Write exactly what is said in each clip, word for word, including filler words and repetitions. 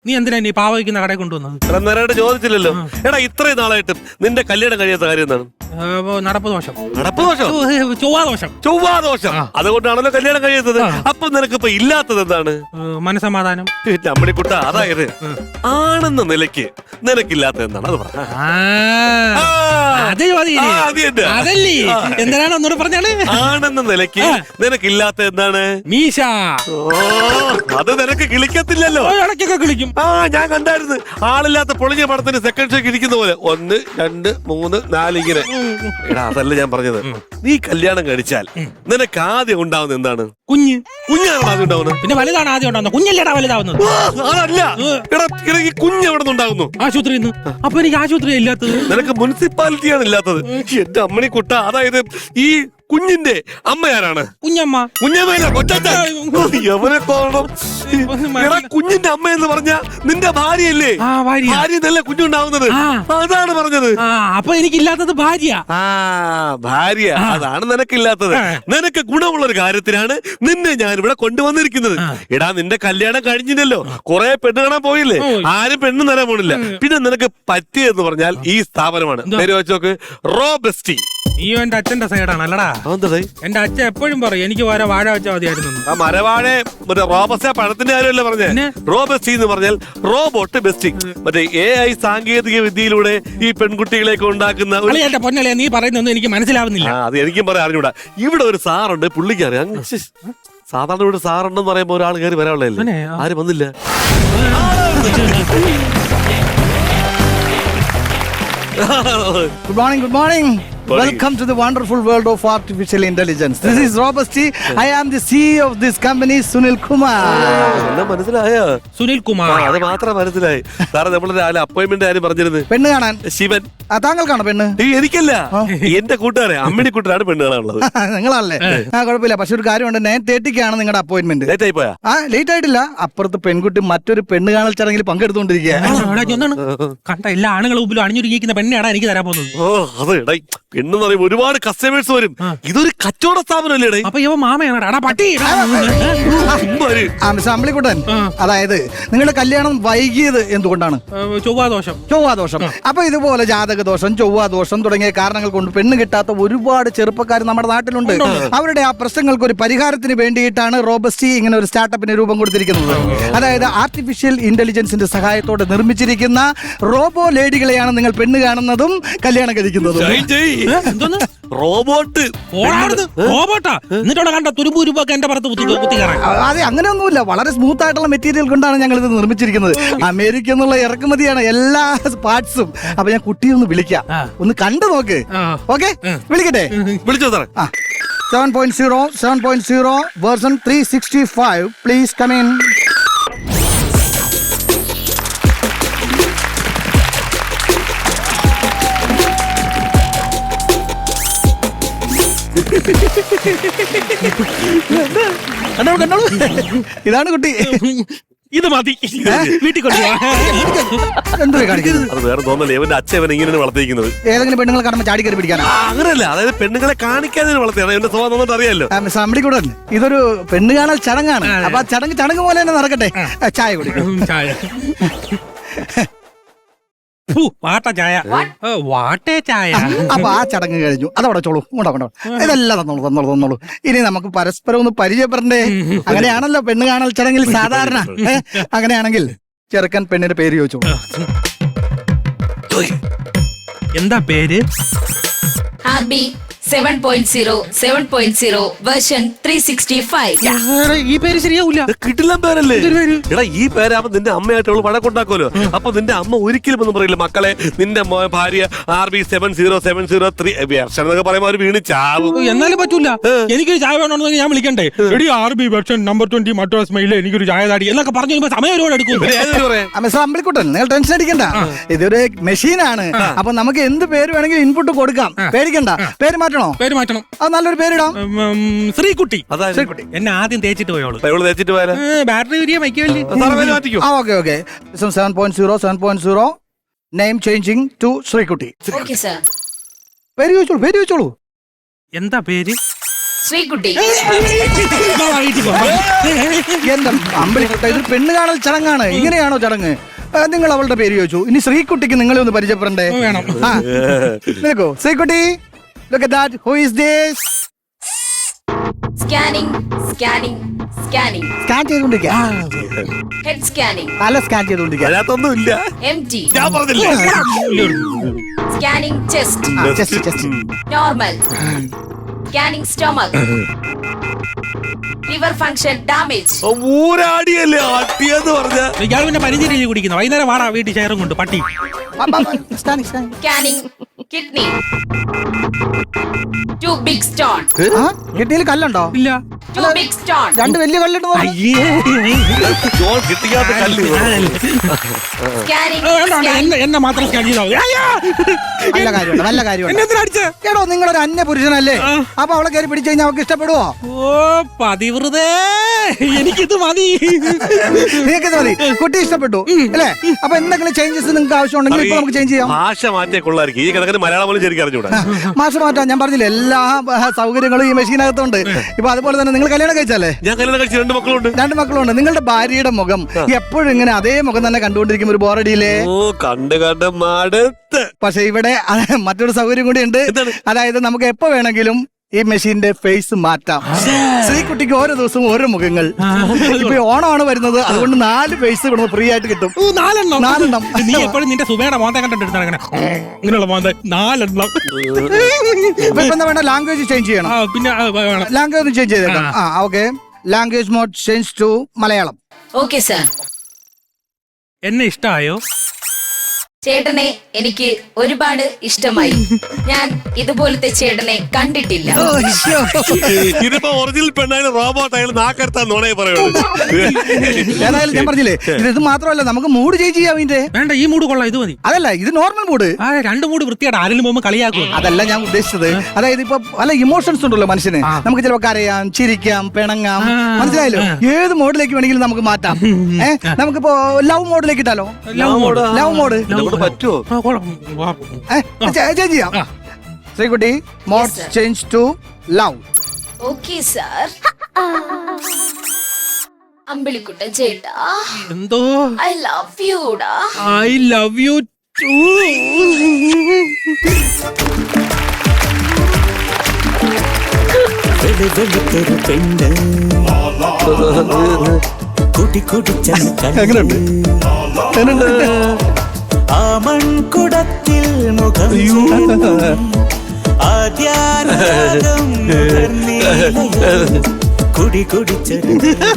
നീ എന്തിനാ നീ പാവ വയ്ക്കുന്ന കടയിൽ കൊണ്ടുവന്നത്? നേരായിട്ട് ചോദിച്ചില്ലല്ലോ. എടാ ഇത്രയും നാളായിട്ടും നിന്റെ കല്യാണം കഴിയാത്ത കാര്യം എന്താണ്? നടപ്പ് ദോഷം. നടപ്പ് ദോഷം? ചൊവ്വാ ദോഷം. ചൊവ്വാ ദോഷം. അതുകൊണ്ടാണല്ലോ കല്യാണം കഴിയാത്തത്. അപ്പൊ നിനക്ക് ഇപ്പൊ ഇല്ലാത്തത് എന്താണ്? മനസമാധാനം. അമ്മണിക്കുട്ട, അതായത് ആണെന്ന നിലയ്ക്ക് നിനക്കില്ലാത്തത് എന്താണ്? അത് പറ. അതല്ലേ എന്തിനാണ് ഒന്നുകൂടെ പറഞ്ഞാണ്? ആണെന്ന നിലയ്ക്ക് നിനക്കില്ലാത്ത എന്താണ്? മീശ. അത് നിനക്ക് കിളിക്കത്തില്ലല്ലോ. ഇടയ്ക്കൊക്കെ കിളിക്കും. ആ ഞാൻ കണ്ടായിരുന്നു. ആളില്ലാത്ത പൊളിഞ്ഞ പടത്തിന് സെക്കൻഡ് ഷോക്ക് ഇരിക്കുന്ന പോലെ ഒന്ന് രണ്ട് മൂന്ന് നാല് ഇങ്ങനെ. എടാ അതല്ല ഞാൻ പറഞ്ഞത്. നീ കല്യാണം കഴിച്ചാൽ നിനക്ക് ആദ്യം ഉണ്ടാവുന്നത് എന്താണ്? കുഞ്ഞ്. കുഞ്ഞാണ് ആദ്യം ഉണ്ടാവുന്നത്. പിന്നെ വലുതാണ് ആദ്യം ഉണ്ടാവുന്നത്. കുഞ്ഞല്ലേടാ വലുതാവുന്നത്. അതല്ല. എടാ ഈ കുഞ്ഞ് എവിടെ നിന്നുണ്ടാകുന്നു? ആശുപത്രിയിൽ നിന്ന്. അപ്പൊ എനിക്ക് ആശുപത്രി ഇല്ലാത്തത്? നിനക്ക് മുനിസിപ്പാലിറ്റിയാണ് ഇല്ലാത്തത്. എന്റെ അമ്മണിക്കുട്ട, അതായത് ഈ കുഞ്ഞിന്റെ അമ്മയാരാണ്? കുഞ്ഞമ്മ. കുഞ്ഞമ്മ യവനെ കാണണം. എടാ കുഞ്ഞിന്റെ അമ്മ എന്ന് പറഞ്ഞ നിന്റെ ഭാര്യയല്ലേ? ഭാര്യ എന്നല്ലേ കുഞ്ഞുണ്ടാവുന്നത്? അതാണ് പറഞ്ഞത്. അപ്പൊ എനിക്കില്ലാത്തത് ഭാര്യ. ആ ഭാര്യ, അതാണ് നിനക്കില്ലാത്തത്. നിനക്ക് ഗുണമുള്ള ഒരു കാര്യത്തിനാണ് നിന്നെ ഞാൻ ഇവിടെ കൊണ്ടുവന്നിരിക്കുന്നത്. എടാ നിന്റെ കല്യാണം കഴിഞ്ഞില്ലല്ലോ, കുറെ പെണ്ണ് കാണാൻ പോയില്ലേ? ആരും പെണ്ണ് തരാൻ പോണില്ല. പിന്നെ നിനക്ക് പറ്റിയെന്ന് പറഞ്ഞാൽ ഈ സ്ഥാപനമാണ്. പേര് വെച്ചോക്ക്, റോബസ്റ്റി. നീയോ എന്റെ അച്ഛന്റെ സൈഡാണ് അല്ലടാ? എന്റെ അച്ഛൻ എപ്പോഴും പറയും എനിക്ക് വരെ വാഴ വെച്ചാൽ മതിയായിരുന്നു. ആ മരവാഴ മറ്റേ റോബസ്റ്റ പഴത്തിന്റെ കാര്യമല്ലേ പറഞ്ഞേ? റോബസ്റ്റി എന്ന് പറഞ്ഞാൽ റോബോട്ട് ബെസ്റ്റി. മറ്റേ എ ഐ സാങ്കേതിക വിദ്യയിലൂടെ ഈ പെൺകുട്ടികളെയൊക്കെ ഉണ്ടാക്കുന്ന. എന്റെ പൊന്നല്ലേ നീ പറയുന്നൊന്നും എനിക്ക് മനസ്സിലാവുന്നില്ല. അത് എനിക്കും പറയാൻ അറിഞ്ഞൂടാ. ഇവിടെ ഒരു സാറുണ്ട്, പുള്ളിക്ക് അറിയാം. സാധാരണ ഇവിടെ സാറുണ്ടെന്ന് പറയുമ്പോ ഒരാൾ കയറി വരാനുള്ളതല്ലേ? ആരും വന്നില്ല. Good morning, good morning. Welcome to the wonderful world of artificial intelligence. This is Robusti. I am the C E O of this company, Sunil Kumar. മനസ്സിലായോ? സുനിൽ കുമാർ. അത് മാത്രം മനസ്സിലായി. സാറേ നമ്മൾ രാവിലെ അപ്പോയിന്റ്മെന്റ് ആരും പറഞ്ഞിരുന്നു? പെണ്ണ് കാണാൻ. ശിവൻ. ആ താങ്കൾക്കാണോ പെണ്ണ്? എനിക്കല്ല, എന്റെ കൂട്ടുകാരെ അമ്മിണിക്കുട്ടനാണ് പെണ്ണ് കാണാനുള്ളത്. നിങ്ങളല്ലേ? ആ കുഴപ്പമില്ല. പക്ഷെ ഒരു കാര്യമുണ്ട്, നയൻ തേർട്ടിക്കാണ് നിങ്ങളുടെ അപ്പോയിന്റ്മെന്റ്. ലേറ്റ് ആയി പോയാ? ആ ലേറ്റ് ആയിട്ടില്ല. അപ്പുറത്ത് പെൺകുട്ടി മറ്റൊരു പെണ്ണ് കാണൽ ചടങ്ങിൽ പങ്കെടുത്തുകൊണ്ടിരിക്കുക. കണ്ട എല്ലാ ആണുങ്ങളും മുമ്പിലും അണിഞ്ഞൊരുങ്ങിക്കുന്ന പെണ്ണാണ് എനിക്ക് തരാൻ പോകുന്നത്. ഓ അത് ഇട പെണ്ണെന്ന് പറയുമ്പോ ഒരുപാട് കസ്റ്റമേഴ്സ് വരും. ഇതൊരു കച്ചവട സ്ഥാപനമല്ലേ? അപ്പൊ ഇവ മാമയാണ് പട്ടി. അമ്പിളിക്കുട്ടൻ, അതായത് നിങ്ങളുടെ കല്യാണം വൈകിയത് എന്തുകൊണ്ടാണ്? ചൊവ്വാദോഷം. ചൊവ്വാദോഷം. അപ്പൊ ഇതുപോലെ ജാതക ദോഷം, ചൊവ്വാദോഷം തുടങ്ങിയ കാരണങ്ങൾ കൊണ്ട് പെണ്ണ് കിട്ടാത്ത ഒരുപാട് ചെറുപ്പക്കാർ നമ്മുടെ നാട്ടിലുണ്ട്. അവരുടെ ആ പ്രശ്നങ്ങൾക്ക് ഒരു പരിഹാരത്തിന് വേണ്ടിയിട്ടാണ് റോബസ്റ്റി ഇങ്ങനെ ഒരു സ്റ്റാർട്ടപ്പിന് രൂപം കൊടുത്തിരിക്കുന്നത്. അതായത് ആർട്ടിഫിഷ്യൽ ഇന്റലിജൻസിന്റെ സഹായത്തോടെ നിർമ്മിച്ചിരിക്കുന്ന റോബോ ലേഡികളെയാണ് നിങ്ങൾ പെണ്ണ് കാണുന്നതും കല്യാണം കഴിക്കുന്നതും. റോബോട്ട്. റോബോട്ടാ? എന്നിട്ടവിടെ കണ്ട തുരുമ്പ് തുരുമ്പൊക്കെ എന്റെ പുറത്ത് കുത്തി കയറാൻ. അതെ, അങ്ങനെയൊന്നുമില്ല. വളരെ സ്മൂത്ത് ആയിട്ടുള്ള മെറ്റീരിയൽ കൊണ്ടാണ് ഞങ്ങൾ ഇത് നിർമ്മിച്ചിരിക്കുന്നത്. അമേരിക്ക എന്നുള്ള ഇറക്കുമതിയാണ് എല്ലാ പാർട്സും. അപ്പൊ ഞാൻ കുട്ടിയെ ഒന്ന് വിളിക്കാം, ഒന്ന് കണ്ടു നോക്ക്. ഓക്കെ, വിളിക്കട്ടെ? വിളിച്ചോ സാറേ. Seven point zero seven point zero version three sixty five please come in. ഇതാണ് കുട്ടി. ഇത് മതി, വീട്ടിൽ കൊണ്ടുപോവാ. അത് വേറെ തോന്നല്ലേ, ഇവന്റെ അച്ഛൻ ഇങ്ങനെ വളർത്തിയിരിക്കുന്നത്. ഏതെങ്കിലും പെണ്ണുങ്ങളെ കാണുമ്പോൾ ചാടി കയറി പിടിക്കാനാ? അങ്ങനെയല്ല, അതായത് പെണ്ണുങ്ങളെ കാണിക്കാതെ വളർത്തിയാണ്. എന്റെ സ്വഭാവം നന്നായിട്ട് അറിയാലോ. അമ്പിളിക്കുട്ടൻ, ഇതൊരു പെണ്ണ് കാണൽ ചടങ്ങാണ്. അപ്പൊ ആ ചടങ്ങ് ചടങ്ങ് പോലെ തന്നെ നടക്കട്ടെ. ചായ കുടിക്കും. ചായ. വാട്ട ചായ. വാട്ടേ ചായ. അപ്പൊ ആ ചടങ്ങ് കഴിഞ്ഞു. അതവിടെ ചോളൂ. കൊണ്ടോ കൊണ്ടോ. ഇതെല്ലാം തന്നോളൂ തന്നോളൂ തന്നോളൂ. ഇനി നമുക്ക് പരസ്പരം ഒന്ന് പരിചയപ്പെടണ്ടേ? അങ്ങനെയാണല്ലോ പെണ്ണ് കാണൽ ചടങ്ങിൽ സാധാരണ. അങ്ങനെയാണെങ്കിൽ ചെറുക്കൻ പെണ്ണിന്റെ പേര് ചോദിച്ചോളൂ. എന്താ പേര്? Seven point zero seven point zero version three sixty five. ഈ പേര് ശരിയാവൂല. കിട്ടില്ല പേരല്ലേ? എടാ ഈ പേരാകുമ്പോ നിന്റെ അമ്മയായിട്ട് അവള് വഴക്കുണ്ടാക്കുമല്ലോ. അപ്പൊ നിന്റെ അമ്മ ഒരിക്കലും ഒന്നും പറയില്ല, മക്കളെ നിന്റെ ഭാര്യ R B seven zero seven zero three version എന്നൊക്കെ പറയുമ്പോ അവര് വീണ് ചാവും. എന്നാലും പറ്റൂല. എനിക്കൊരു ചായ വേണമെന്ന് ഞാൻ വിളിക്കണ്ടേ? എടി R B version number twenty Madras മെയിലെ എനിക്കൊരു ചായ താടി എന്നൊക്കെ പറഞ്ഞു കഴിയുമ്പോ സമയം ഒരുപാട് എടുക്കും. അമ്പിളിക്കുട്ടൻ, നിങ്ങൾ ടെൻഷൻ അടിക്കണ്ട. ഇതൊരു മെഷീനാണ്. അപ്പൊ നമുക്ക് എന്ത് പേര് വേണമെങ്കിലും ഇൻപുട്ട് കൊടുക്കാം. പേടിക്കണ്ട. പേര് മാറ്റണം. പേര് മാറ്റണം. അത് നല്ലൊരു പേരിടാം. ശ്രീകുട്ടി. ശ്രീകുട്ടി എന്നെ ആദ്യം തേച്ചിട്ട് പോയോളൂ. തേച്ചിട്ട് പോയാലോ? ബാറ്ററി വരിക വയ്ക്കുമല്ലേ? Okay okay. Seven point zero seven point zero name changing to Sreekutty. പേര് ചോദിച്ചോളൂ. പേര് ചോദിച്ചോളൂ. എന്താ പേര്? ശ്രീകുട്ടി. വാ, വാ, വീട്ടിൽ പോ. എന്റെ അമ്പലിക്കുട്ട, ഇത് പെണ്ണ് കാണൽ ചടങ്ങാണ്. ഇങ്ങനെയാണോ ചടങ്ങ്? ആ, നിങ്ങൾ അവളുടെ പേര് ചോദിച്ചു. ഇനി ശ്രീകുട്ടിക്ക് നിങ്ങളെ ഒന്ന് പരിചയപ്പെടണ്ടേ? വേണം. ആ, നിൽക്കൂ. Sreekutty, look at that. Who is this? Scanning scanning scanning scan ചെയ്തുകൊണ്ടിരിക്കുക. ഹെഡ് സ്കാനിംഗ് തല സ്കാൻ ചെയ്തുകൊണ്ടിരിക്കുക. അതിനകത്തൊന്നും ഇല്ല. എം ടി ഞാൻ പറഞ്ഞില്ലേ. സ്കാനിംഗ് ചെസ്റ്റ് ആ, just, just. Normal scanning stomach liver function damage. ഊരാടിയല്ലേ ആട്ടിയെന്ന് പറഞ്ഞ. ഇയാൾ പിന്നെ പരിചയം കുടിക്കുന്നു. വൈകുന്നേരം വാടാ വീട്ടിൽ ഷെയറും കൊണ്ട് പട്ടി. ആ, ആ, ആ, scanning, scanning. Scanning kidney to big stone ആ, കിഡ്നിയിൽ കല്ലുണ്ടോ? ഇല്ല. ടു ബിഗ് സ്റ്റോൺ രണ്ട് വലിയ കല്ലുണ്ട് തോന്നുന്നു. ജോൺ കിട്ടിക്കാത്ത കല്ല്. സ്കാനിംഗ് വേണ്ട, വേണ്ട, എന്നെ എന്നെ മാത്രം സ്കാൻ ചെയ്താൽ മതി. അയ്യോ! നല്ല കാര്യമുണ്ട്, നല്ല എന്നെ കാര്യമുണ്ട്. എന്തിനാ അടിച്ചേ? എടോ, നിങ്ങളൊരു അന്യ പുരുഷനല്ലേ? അപ്പൊ അവളെ കയറി പിടിച്ചു കഴിഞ്ഞാൽ അവൾക്ക് ഇഷ്ടപ്പെടുവോ? ഓ പതിവൃതേ, എനിക്കിത് മതി. നിങ്ങൾക്ക് മതി. കുട്ടി ഇഷ്ടപ്പെട്ടു അല്ലേ? അപ്പൊ എന്തെങ്കിലും ചേഞ്ചസ് നിങ്ങൾക്ക് ആവശ്യമുണ്ടെങ്കിൽ ഇപ്പൊ നമുക്ക് ചേഞ്ച് ചെയ്യാം. ഭാഷ മാറ്റിയ കൊള്ളായിരിക്കും. ഈ കിടക്കുന്ന മലയാളം പോലും ശരിക്കും അറിഞ്ഞൂടാ. മാസം മാറ്റാം. ഞാൻ പറഞ്ഞില്ലേ, എല്ലാ ആ, സൗകര്യങ്ങളും ഈ മെഷീനകത്തുണ്ട്. ഇപ്പൊ അതുപോലെ തന്നെ നിങ്ങൾ കല്യാണം കഴിച്ചല്ലേ? ഞാൻ കല്യാണം കഴിച്ച രണ്ട് മക്കളുണ്ട്. രണ്ട് മക്കളുണ്ട്. നിങ്ങളുടെ ഭാര്യയുടെ മുഖം എപ്പോഴും ഇങ്ങനെ അതേ മുഖം തന്നെ കണ്ടുകൊണ്ടിരിക്കും. ഒരു ബോറടിയില്ലേ? ഓ കണ്ട് കണ്ട് മടുത്ത്. പക്ഷെ ഇവിടെ അത് മറ്റൊരു സൗകര്യം കൂടി ഉണ്ട്. എന്താണ്? അതായത് നമുക്ക് എപ്പോ വേണമെങ്കിലും ഈ മെഷീന്റെ ഫേസ് മാറ്റാം. ശ്രീകുട്ടിക്ക് ഓരോ ദിവസവും ഓരോ മുഖങ്ങൾ. ഇപ്പൊ ഓണമാണ് വരുന്നത്, അതുകൊണ്ട് നാല് ഫേസ് ഇവിടെ ഫ്രീ ആയിട്ട് കിട്ടും. ഓ, നാലെണ്ണം. നാലെണ്ണം. നീ എപ്പോഴും നിന്റെ സുബയുടെ മോന്തെ കണ്ടിട്ട് അങ്ങനെ ഇങ്ങനെയുള്ള മോന്തെ നാലെണ്ണം. ഇപ്പൊ എന്താ വേണ്ട, ലാംഗ്വേജ് ചേഞ്ച് ചെയ്യണം. ആ, പിന്നെ ആ, വേണം. ലാംഗ്വേജ് ഒന്ന് ചേഞ്ച് ചെയ്തേക്കാം. ആ, okay. Language mode change to Malayalam. Okay sir. എന്നെ ഇഷ്ടായോ? ചേട്ടനെ എനിക്ക് ഒരുപാട് ഇഷ്ടമായി. ഞാൻ ഇതുപോലത്തെ ചേട്ടനെ കണ്ടിട്ടില്ല. ഇതിപ്പോ ഒറിജിനൽ പെണ്ണായാലും റോബോട്ട് ആയാലും നാക്കരുത്താൻ നോണേ പറയുള്ളൂ. ഏതായാലും ഞാൻ പറഞ്ഞില്ലേ, ഇത് ഇത് മാത്രമല്ല, നമുക്ക് മൂഡ് ചേഞ്ച് ചെയ്യാം. ഇതിന്റെ വേണ്ട, ഈ മൂഡ് കൊള്ളാം. ഇത് മതി. അതല്ല, ഇത് നോർമൽ മൂഡ്. ആ, രണ്ട് മൂഡ് വൃത്തിയായിട്ട് ആരെങ്കിലും പോകുമ്പോ കളിയാക്കും. അതല്ല ഞാൻ ഉദ്ദേശിച്ചത്. അതായത് ഇപ്പൊ പല ഇമോഷൻസ് ഉണ്ടല്ലോ മനുഷ്യന്. നമുക്ക് ചിലപ്പോ കരയാം, ചിരിക്കാം, പിണങ്ങാം. മനസ്സിലായല്ലോ? ഏത് മോഡിലേക്ക് വേണമെങ്കിലും നമുക്ക് മാറ്റാം. ഏഹ്, നമുക്കിപ്പോ ലവ് മോഡിലേക്ക് ഇട്ടാലോ? Love mode. ലവ് മോഡ് പറ്റുമോ? ആ, കൊള്ളാം. വാ. ചേഞ്ച് ചെയ്യാം. Sreekutty, mode sir. Change to love. Okay sir. Ambilikuttan ചേട്ടാ, എന്തോ ഐ ലവ് യുടാ. I love you too. വെളുത്തൊരു പെണ്ണ് കൂട്ടി കൂട്ടി എങ്ങനെയുണ്ട്? ആ മൺകുടത്തിൽ മുഖം ആദ്യാനുരാഗം കുടി കുടിച്ചത്.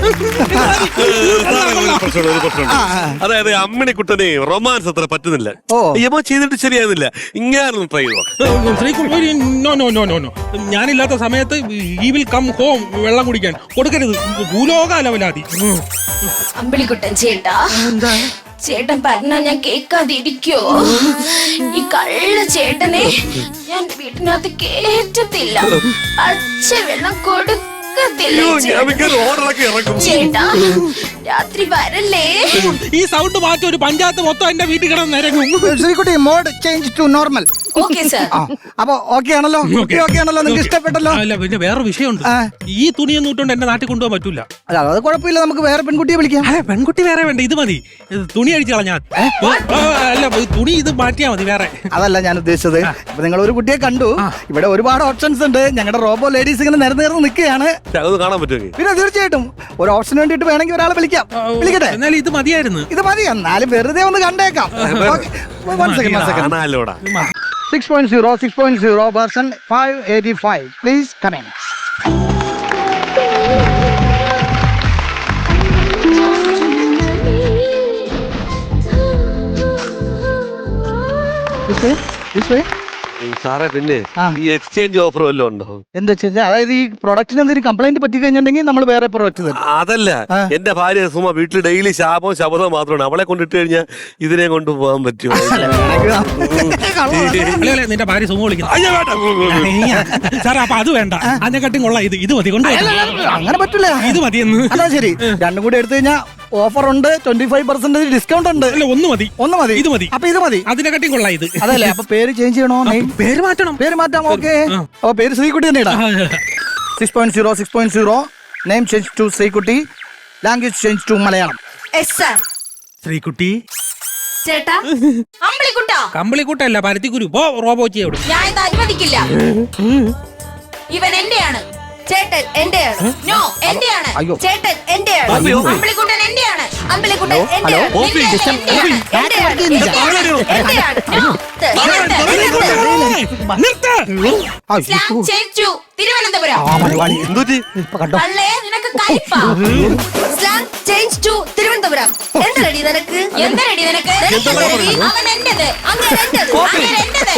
അതായത് അമ്മിണിക്കുട്ടനെ റൊമാൻസ് അത്ര പറ്റുന്നില്ല. ഓ. യമോ ചെയ്തിട്ട് ശരിയാകുന്നില്ല. ഇങ്ങനെ ട്രൈ ചെയ്തോ. Sreekumari, no no no no no. ഞാനില്ലാത്ത സമയത്ത് ഈ വിൽ കം ഹോം വെള്ളം കുടിക്കാൻ കൊടുക്കരുത്. ഭൂലോക ലവലാതി. അമ്പിളിക്കുട്ടൻ ചേട്ടാ, ചേട്ടൻ പറഞ്ഞ ഞാൻ കേൾക്കാതിരിക്കോ? ഈ കള്ള ചേട്ടനെ ഞാൻ വീട്ടിനകത്ത് കേറ്റത്തില്ല. പച്ച വെള്ളം കൊടുക്കത്തില്ല. ഓർഡറൊക്കെ ഇറക്കും. ചേട്ടാ, രാത്രി വരല്ലേ? ഈ സൗണ്ട് മാറ്റി ഒരു പഞ്ചായത്ത് മൊത്തം എന്റെ വീട്ടിൽ കിടന്ന് നിരങ്ങും. Sreekutty, mode change to normal. Okay sir. അപ്പൊ ഓക്കെ ആണല്ലോ? കുട്ടി ഓക്കെ ആണല്ലോ? നിങ്ങൾക്ക് ഇഷ്ടപ്പെട്ടല്ലോ? അല്ല, പിന്നെ വേറെ വിഷയമുണ്ട്. ആ. ഈ തുണിയൊന്നും ഇട്ടുകൊണ്ട് എന്നെ നാട്ടിൽ കൊണ്ടുപോകാൻ പറ്റൂല. അല്ല, അത് കുഴപ്പമില്ല. നമുക്ക് വേറെ പെൺകുട്ടിയെ വിളിക്കാം. അതെ, പെൺകുട്ടി വേറെ വേണ്ട. ഇത് മതി. ഇത് തുണി അടിച്ചു കളഞ്ഞാൽ. അല്ല, തുണി ഇത് മാറ്റിയാ മതി വേറെ. അതല്ല ഞാൻ ഉദ്ദേശിച്ചത്. ഇപ്പൊ നിങ്ങൾ ഒരു കുട്ടിയെ കണ്ടു. ഇവിടെ ഒരുപാട് ഓപ്ഷൻസ് ഉണ്ട്. ഞങ്ങളുടെ റോബോ ലേഡീസ് ഇങ്ങനെ നിരന്ന് നിരന്ന് നിൽക്കുകയാണ്. അത് കാണാൻ പറ്റുമെങ്കിൽ പിന്നെ തീർച്ചയായിട്ടും ഒരു ഓപ്ഷന് വേണ്ടിയിട്ട് വേണമെങ്കിൽ ഒരാളെ വിളിക്കാം. വിളിക്കട്ടെ? എന്നാലും ഇത് മതിയായിരുന്നു. ഇത് മതി. എന്നാലും വെറുതെ ഒന്ന് കണ്ടേക്കാം. കാണാലോടാ. Six point zero six point zero version five eighty five please come in. This way, this way. സാറേ, പിന്നെ ആ. ഈ എക്സ്ചേഞ്ച് ഓഫർ വല്ലതും ഉണ്ടോ? എന്താ വെച്ചാൽ, അതായത് ഈ പ്രൊഡക്റ്റിന് എന്തെങ്കിലും കംപ്ലൈന്റ് പറ്റി കഴിഞ്ഞിട്ടുണ്ടെങ്കിൽ നമ്മൾ വേറെ പ്രൊഡക്റ്റ് തരും. അതല്ല, ആ. എന്റെ ഭാര്യ സുമ വീട്ടിൽ ഡെയിലി ശാപവും ശബദവും മാത്രമാണ്. അവളെ കൊണ്ടിട്ട് കഴിഞ്ഞാൽ ഇതിനെ കൊണ്ട് പോകാൻ പറ്റുമോ? അല്ലേ, അല്ലേ, നിന്റെ ഭാര്യ സുമ വിളിക്കുന്നു. അയ്യോ, വേണ്ട. സാറേ, അപ്പൊ അത് വേണ്ട. അതിനെക്കാട്ടും കൊള്ളാം ഇത്. ഇത് മതി. കൊണ്ട് അങ്ങനെ പറ്റില്ല. ഇത് മതിയെന്ന്. അതാ ശരി. രണ്ടും കൂടി എടുത്തു കഴിഞ്ഞാൽ ഓഫർ ഉണ്ട്. ട്വന്റി ഫൈവ് പെർസെന്റേജ് ഡിസ്കൗണ്ട് ഉണ്ട്. അല്ല, ഒന്ന് മതി. ഒന്ന് മതി. ഇത് മതി. അപ്പൊ ഇത് മതി. അതിനെക്കാട്ടും കൊള്ളാം ഇത്. അതല്ലേ? അപ്പൊ പേര് ചേഞ്ച് ചെയ്യണോ? പേര് മാറ്റണം. പേര് മാറ്റാം. ഓക്കെ. അപ്പൊ പേര് ശ്രീകുട്ടി തന്നെ ഇടാം. Six point zero six point zero name change to Sreekutty, language change to Malayalam. Yes sir. Sreekutty ചേട്ടാ അമ്പിളിക്കുട്ടാ. കമ്പിളിക്കുട്ടല്ല പരുത്തിക്കുരു. പോ റോബോച്ചിയെ വിടും. ഞാൻ ഇത് അനുവദിക്കില്ല. ഇവൻ എന്റെയാണ്. ചേട്ടൻ എന്റെയാണ്. നോ എന്റെയാണ്. അയ്യോ. ചേട്ടൻ എന്റെയാണ്. ഓപ്പി, ഓപ്പി. അമ്പിളിക്കുട്ടൻ എന്റെയാണ്. അമ്പിളിക്കുട്ടൻ ഹലോ, എന്റെയാണ്. ഓപ്പി. നിന്റെ ഡിസ്റ്റം- എന്റെയാണ്. എന്റെയാണ്. എന്റെയാണ്. എന്റെയാണ്. നോ. നിർത്ത്. നിർത്ത്. Slang change to Thiruvananthapuram. എന്തുപറ്റി? അല്ലേ നിനക്ക് കൈപ്പാ. Slang change to Thiruvananthapuram. എന്തരടി നിനക്ക്? എന്തരടി നിനക്ക്? നിനക്കെന്തരടി? അവൻ എന്റേത്. അങ്ങനെ എന്റേത്. അങ്ങനെ എന്റേത്.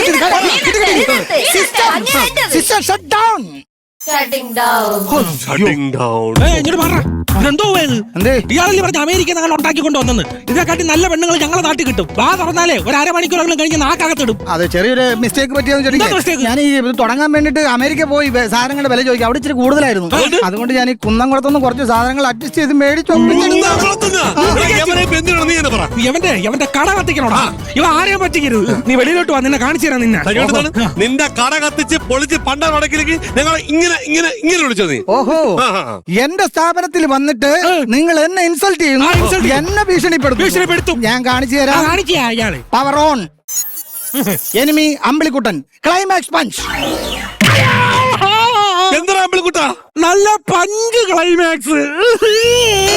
അങ്ങനെ എന്റേത്. Sister shut down. Shutting down. Shutting down. ഏയ്, ഇങ്ങോട്ട് മാറ. ഇതെന്തോ ഇത്? എന്തേ? ഇയാളല്ലേ പറഞ്ഞ അമേരിക്ക ഞങ്ങൾ ഉണ്ടാക്കി കൊണ്ടുവന്നെന്ന്. ഇതിനെക്കാട്ടി നല്ല പെണ്ണുങ്ങൾ ഞങ്ങളെ നാട്ടിൽ കിട്ടും. വാ തുറന്നാലേ ഒരു അരമണിക്കൂറെങ്കിലും കഴിഞ്ഞ് നാക്കകത്തിടും. അത് ചെറിയൊരു മിസ്റ്റേക്ക് പറ്റിയെന്ന് എന്താ mistake? ചോദിക്കാം. ഞാൻ ഈ ഇത് തുടങ്ങാൻ വേണ്ടിട്ട് അമേരിക്ക പോയി വെ- സാധനങ്ങളുടെ വില ചോദിക്കാം. അവിടെ ഇച്ചിരി കൂടുതലായിരുന്നു. അതുകൊണ്ട് ഞാൻ ഈ കുന്നംകുളത്തുനിന്ന് കുറച്ച് സാധനങ്ങൾ അഡ്ജസ്റ്റ് ചെയ്ത് മേടിച്ചു എന്താ കുളത്തുനിന്നാ? എടാ, എവനെ ഇപ്പൊ എന്തിനാണ് നീ എന്നെ പറ? ഇവന്റെ ഇവന്റെ കട കത്തിക്കണോടാ. ഇവ ആരെയും പറ്റിക്കരുത്. നീ വെളിയിലോട്ട് വാ, നിന്നെ കാണിച്ചു തരാം നിന്നെ. ഇങ്ങോട്ട് നിന്റെ കട കത്തിച്ച് പൊളിച്ച് പണ്ട നടക്കിലേക്ക് ഞങ്ങൾ ഇങ്ങനെ ഇങ്ങനെ ഇങ്ങനെ വിളിച്ചോ നീ? ഓഹോ, ആ, ആ, ആ. എന്റെ സ്ഥാപനത്തിൽ വന്നിട്ട് നിങ്ങൾ എന്നെ ഇൻസൾട്ട് ചെയ്യുന്നു, ആ, insult ചെയ്യും. എന്നെ ഭീഷണിപ്പെടുത്തും. ഭീഷണിപ്പെടുത്തും. ഞാൻ കാണിച്ചു ആ, തരാം. കാണിക്കാ ഇയാള്. Power on. Enemy Ambilikuttan. Climax punch. എന്താ അമ്പിളിക്കുട്ടാ? നല്ല പഞ്ച് ക്ലൈമാക്സ്.